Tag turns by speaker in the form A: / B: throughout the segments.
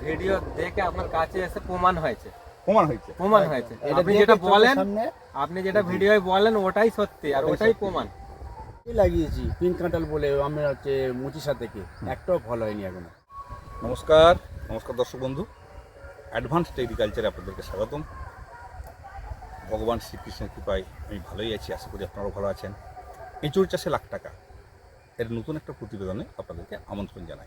A: Video দেখে আপনার কাছে এসে প্রমাণ হয়েছে।
B: এটা
A: আপনি যেটা ভিডিওয় বলেন ওটাই সত্যি আর ওটাই প্রমাণ।
B: লাগিয়েছি পিঙ্ক কাঁঠাল বলে আমরা হচ্ছে মুচিসা থেকে, একটাও ফল হয়নি এখনো।
C: নমস্কার দর্শক বন্ধু, অ্যাডভান্স এগ্রিকালচারে আপনাদেরকে স্বাগতম। ভগবান শ্রীকৃষ্ণের কৃপায় আমি ভালোই আছি, আশা করি আপনারাও ভালো আছেন। এঁচড় চাষে লাখ টাকা এর নতুন একটা প্রতিবেদনে আপনাদেরকে আমন্ত্রণ জানাই।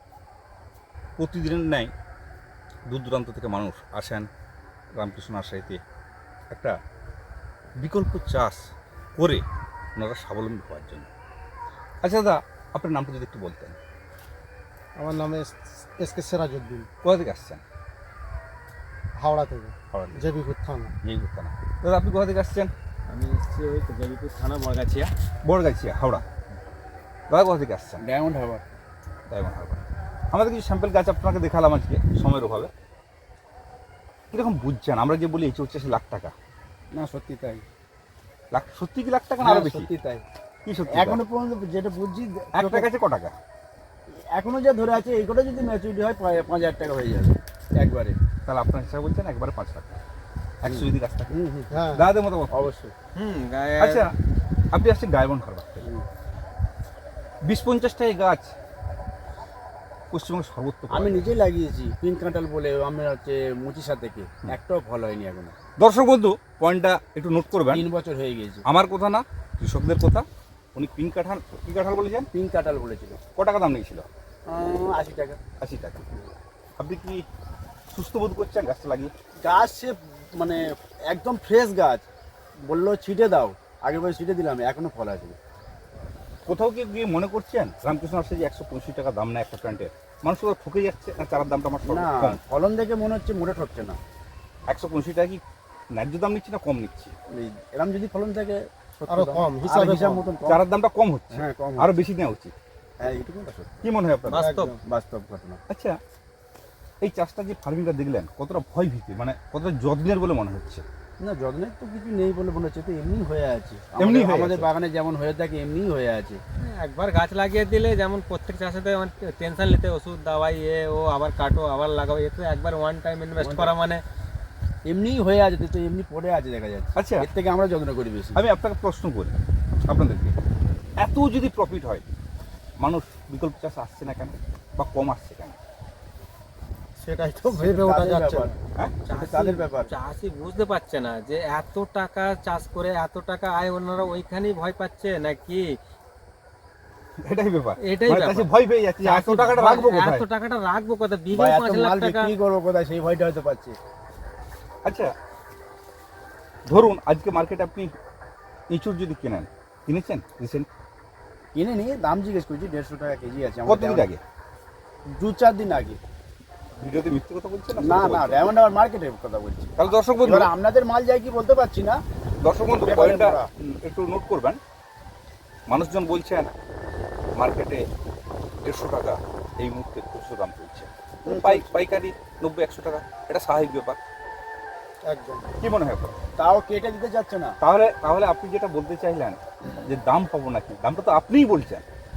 C: প্রতিদিনের ন্যায় দূর দূরান্ত থেকে মানুষ আসেন রামকৃষ্ণ নার্সারিতে একটা বিকল্প চাষ করে ওনারা স্বাবলম্বী হওয়ার জন্য। আচ্ছা দাদা, আপনার নামটা যদি একটু বলতেন।
D: আমার নাম এসকে সিরাজউদ্দিন।
C: কোথা থেকে আসছেন?
D: হাওড়া থেকে,
C: হাওড়া থেকে।
D: জেবিপুর থানা।
C: জেবিপুর থানা। দাদা আপনি কোথা থেকে আসছেন?
A: আমি এসেছি ওই তো জেবিপুর থানা,
C: বড়গাছিয়া, হাওড়া। দাদা কোথা থেকে আসছেন?
B: ডায়মন্ড হারবার।
C: আমাদের কিছু স্যাম্পল গাছ আপনাকে দেখালাম আজকে সময়ের অভাবে। কীরকম বুঝছেন? আমরা যে বলি এঁচড় চাষে লাখ টাকা,
B: না সত্যি তাই।
C: সত্যি কি লাখ টাকা না আরো বেশি?
B: সত্যি তাই।
C: কি সত্যি?
B: এখনো পর্যন্ত যেটা বুঝছি
C: একটা গাছে ক টাকা?
B: এখনো যা ধরে আছে এই কটা যদি ম্যাচুরিটি হয় 5,000 টাকা হয়ে যাবে একবারে।
C: তাহলে আপনার হিসাবে বলছেন একবারে 5 লাখ, 100 যদি গাছ থাকে।
D: হ্যাঁ,
C: দাদাদের মতো
B: অবশ্যই।
C: আচ্ছা, আপনি আসছেন ডায়মন্ড হারবার থেকে। 20-50 টাকা গাছ পশ্চিমবঙ্গের সর্বত্র।
B: আমি নিজেই লাগিয়েছি পিঙ্ক কাঁঠাল বলে আমরা হচ্ছে মুচিসা থেকে, একটাও ফল হয়নি এখনো।
C: দর্শক বন্ধু, পয়েন্টটা একটু নোট করবেন।
B: 3 বছর হয়ে গিয়েছে।
C: আমার কথা না, কৃষকদের কথা। উনি পিঙ্ক কাঁঠাল বলেছেন।
B: পিঙ্ক কাঁঠাল বলেছিল।
C: ক টাকা দাম নিয়েছিল?
B: 80 টাকা।
C: 80 টাকা। আপনি কি সুস্থ বোধ করছেন গাছটা লাগিয়ে?
B: গাছ সে মানে একদম ফ্রেশ গাছ, বললো ছিটে দাও, আগের বছর ছিটে দিলাম, এখনো ফল আছে।
C: কোথাও কি গিয়ে মনে করছেন রামকৃষ্ণ নার্সারি যে 165 টাকা দাম না একটা প্ল্যান্টের, মানুষ কোথাও ঠকে যাচ্ছে না? চারার দামটা আমার
B: না, ফলন দেখে মনে হচ্ছে মোটে ঠকছে না।
C: 165 টাকা কি ন্যায্য দাম নিচ্ছি না কম নিচ্ছি?
B: এরকম যদি ফলন থাকে
D: আরো কম, হিসাব
B: মতন কম।
C: চারার দামটা কম হচ্ছে।
B: হ্যাঁ, কম।
C: আরো বেশি নেওয়া উচিত।
B: হ্যাঁ, এটুকু সত্যি।
C: কি মনে হয় আপনার?
B: বাস্তব ঘটনা।
C: আচ্ছা, এই চাষটা যে ফার্মিংটা দেখলেন কতটা ভয় ভীতি, মানে কতটা যত্নের বলে মনে হচ্ছে?
B: না, যত্নের তো কিছু নেই বলে মনে হচ্ছে, তো এমনি হয়ে আছে। আমাদের
C: আছে।
B: বাগানে যেমন হয়ে থাকে এমনিই হয়ে আছে।
A: একবার গাছ লাগিয়ে দিলে যেমন প্রত্যেক চাষেতে টেনশন নিতে, ওষুধ দাওয়াই ও আবার কাটো আবার লাগাও, এ তো একবার ওয়ান টাইম ইনভেস্ট করা মানে
B: এমনিই হয়ে আছে, তো এমনি পড়ে আছে দেখা যাচ্ছে।
C: আচ্ছা,
B: এর থেকে আমরা যত্ন করি বেশি।
C: আমি আপনাকে প্রশ্ন করি আপনাদেরকে, এত যদি প্রফিট হয় মানুষ বিকল্প চাষ আসছে না কেন, বা কম আসছে কেন?
D: সেটাই তো ভেবে ওঠা যাচ্ছে না।
C: হ্যাঁ,
B: তাদের ব্যাপার।
A: চাষি বুঝতে পারছে না যে এত টাকা চাষ করে এত টাকা আয়, ওনারা ওইখানেই ভয় পাচ্ছে নাকি?
C: এটাই ব্যাপার।
A: এটাই
C: মানে
A: ব্যাপার।
C: চাষি ভয় পেয়ে যাচ্ছে, এত টাকাটা রাখবো কোথায়?
A: এত টাকাটা রাখবো কোথায়?
B: বা
A: বিঘে
B: এত
A: 5 লাখ
B: মাল
A: টাকা।
B: বিক্রি করবো কোথায়, সেই ভয়টা হয়তো পাচ্ছে।
C: আচ্ছা, ধরুন আজকে মার্কেটে আপনি এঁচড় যদি কিনেছেন রিসেন্ট?
B: কিনে নিয়ে দাম জিজ্ঞেস করছি, 150 টাকা কেজি আছে।
C: কতদিন আগে?
B: 2-4 দিন আগে।
C: ভিডিওতে মিথ্যে কথা বলছেন
B: না না, ডায়মন্ড হারবার মার্কেটের কথা বলছি।
C: তাহলে দর্শক বন্ধু,
B: এবার আপনাদের মাল যায় কি বলতে পারছি না।
C: পয়েন্টটা একটু নোট করবেন। মানুষজন বলছেন মার্কেটে 150 টাকা এই মুহূর্তে খুচরো দাম চলছে, পাইকারি 90-100 টাকা, এটা স্বাভাবিক ব্যাপার।
D: একদম।
C: কি মনে হয় আপনার?
B: তাও কেটে দিতে যাচ্ছে না।
C: তাহলে আপনি যেটা বলতে চাইলেন যে দাম পাবো নাকি, দামটা তো আপনিই বলছেন।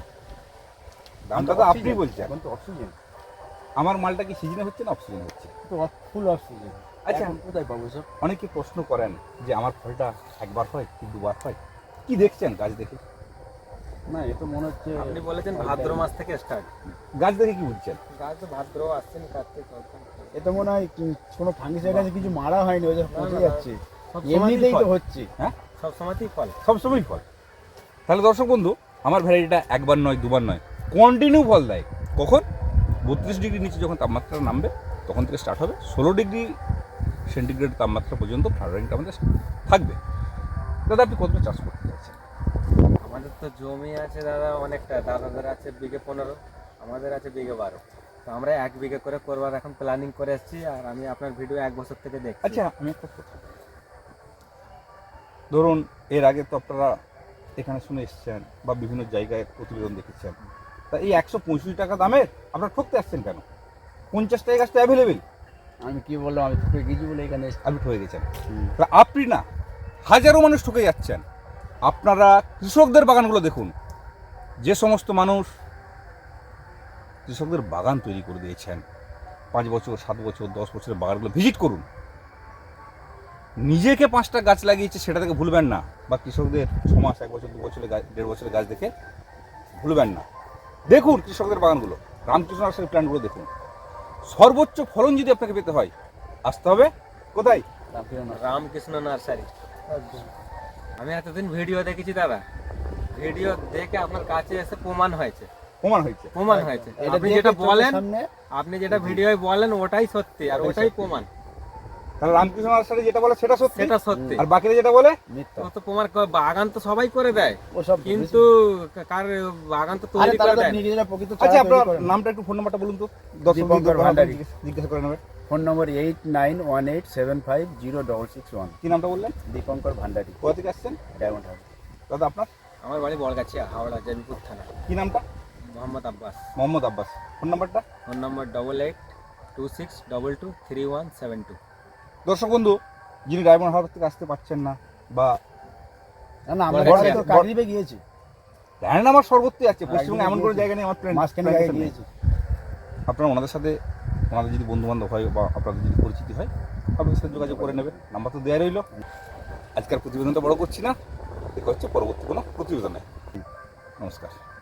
C: দামটা তো আপনিই বলছেন।
B: এখন তো অক্সিজেন।
C: আমার মালটা কি সিজনে হচ্ছে না অক্সিজেন হচ্ছে?
B: তো ফুল অক্সিজেন।
C: আচ্ছা,
B: এখন কোথায় পাবো সব?
C: অনেকে প্রশ্ন করেন যে আমার ফলটা একবার হয় কি দুবার হয়, কি দেখছেন গাছ দেখে?
B: না, এ তো মনে হচ্ছে
A: আপনি বলেছেন ভাদ্র মাস থেকে স্টার্ট,
C: গাছ দেখে কি বুঝছেন?
A: গাছ তো ভাদ্র আসছে না, কার্তিক
B: এ তো মনে হয় কোনো ফাঙ্গিসাইড আছে কিছু মারা হয়নি, ওই যে পচে যাচ্ছে।
A: সবসময়ই
B: এমনিতেই তো
A: ফল।
B: হচ্ছে।
C: হ্যাঁ,
A: সব সময়তেই ফল।
C: সবসময় ফল। তাহলে দর্শক বন্ধু, আমার ভ্যারাইটিটা একবার নয় দুবার নয়, কন্টিনিউ ফল দেয়। কখন? 32 ডিগ্রি নিচে যখন তাপমাত্রা নামবে তখন থেকে স্টার্ট হবে, 16 ডিগ্রি সেন্টিগ্রেড তাপমাত্রা পর্যন্ত ফ্লাওয়ারিংটা আমাদের থাকবে। দাদা আপনি কতটা চাষ করতে চাইছেন?
A: আমাদের তো জমি আছে দাদা অনেকটা, দাদাদের আছে বিঘে 15, আমাদের আছে বিঘে 12। তো আমরা 1 বিঘে করে করবার এখন প্ল্যানিং করে এসেছি, আর আমি আপনার ভিডিও 1 বছর থেকে দেখছি।
C: আচ্ছা, আমি একটা কথা, ধরুন এর আগে তো আপনারা এখানে শুনে এসছেন বা বিভিন্ন জায়গায় প্রতিবেদন দেখেছেন, তা এই 165 টাকা দামের আপনারা ঠকতে আসছেন কেন? 50 টাকা গাছ তো অ্যাভেলেবেল।
B: আমি কি বললাম, আমি ঠকে গেছি বলে এখানে
C: আপনি ঠকে গেছেন। আপনি না, হাজারো মানুষ ঠকে যাচ্ছেন। আপনারা কৃষকদের বাগানগুলো দেখুন, যে সমস্ত মানুষ কৃষকদের বাগান তৈরি করে দিয়েছেন, 5 বছর 7 বছর 10 বছরের বাগানগুলো ভিজিট করুন। নিজেকে 5টা গাছ লাগিয়েছে সেটা থেকে ভুলবেন না, বা কৃষকদের 6 মাস 1 বছর 2 বছরের গাছ 1.5 বছরের গাছ দেখে ভুলবেন না। দেখুন কৃষকদের বাগানগুলো, রামকৃষ্ণ নার্সারির প্ল্যান্টগুলো দেখুন। সর্বোচ্চ ফলন যদি আপনাকে পেতে হয় আসতে হবে কোথায়?
A: রামকৃষ্ণ নার্সারি।
D: একদম।
A: আমি এতদিন ভিডিও দেখেছি দাদা, ভিডিও দেখে আপনার কাছে এসে প্রমাণ হয়েছে।
C: প্রমাণ হয়েছে।
B: এটা
A: আপনি
B: দেখে
A: যেটা
B: চোখের
A: বলেন,
B: সামনে
A: আপনি যেটা ভিডিওয় বলেন ওটাই সত্যি, আর ওটাই প্রমাণ।
C: তাহলে রামকৃষ্ণ নার্সারি যেটা বলে সেটা সত্যি,
A: সেটা সত্যি।
C: আর বাকিরা যেটা বলে
B: মিথ্যা।
A: ও তো প্রমাণ বাগান তো সবাই করে দেয়,
B: ওসব
A: কিন্তু কার বাগান তো
B: আরে
A: তৈরি
B: তারা
A: করে
B: তো
A: দেয়।
B: নিজেরা প্রকৃত
C: আচ্ছা
B: চারা
C: আপনার
B: তৈরি করে না।
C: নামটা একটু ফোন নাম্বারটা বলুন তো,
B: দীপঙ্কর ভান্ডারী।
C: জিজ্ঞাসা করে নেবে।
B: Phone number 8918750661।
C: কি নামটা বললেন?
B: দীপঙ্কর ভান্ডারী,
C: কোথা থেকে আসছেন?
B: Diamond house.
C: দাদা আপনার
A: আমার বাড়ি বলগাছিয়া, হাওড়া জয়পুর থানা।
C: কি নামটা?
A: মোহাম্মদ আব্বাস।
C: মোহাম্মদ আব্বাস। ফোন নাম্বারটা?
A: Phone number 8826223172।
C: দর্শক বন্ধু, যিনি ডায়মন্ড হারবার থেকে আসতে পারছেন না বা
B: না আমরা
A: বলগাছিয়া।
B: তো কাকদ্বীপে গিয়েছি,
C: জানেন আমার সর্বত্রই আছে, পশ্চিমবঙ্গে
B: একদমই
C: এমন কোনো
B: গিয়েছি।
C: জায়গা নেই আমার প্ল্যান
B: মাঝখানে জায়গায় গিয়েছি।
C: আপনারা ওনাদের সাথে, ওনাদের যদি বন্ধু বান্ধব হয় বা আপনাদের যদি পরিচিতি হয়, আপনাদের সাথে যোগাযোগ করে নেবেন। নাম্বার তো দেওয়া রইল। আজকের প্রতিবেদনটা বড় করছি না, দেখা হচ্ছে পরবর্তী কোনো প্রতিবেদনে। নমস্কার।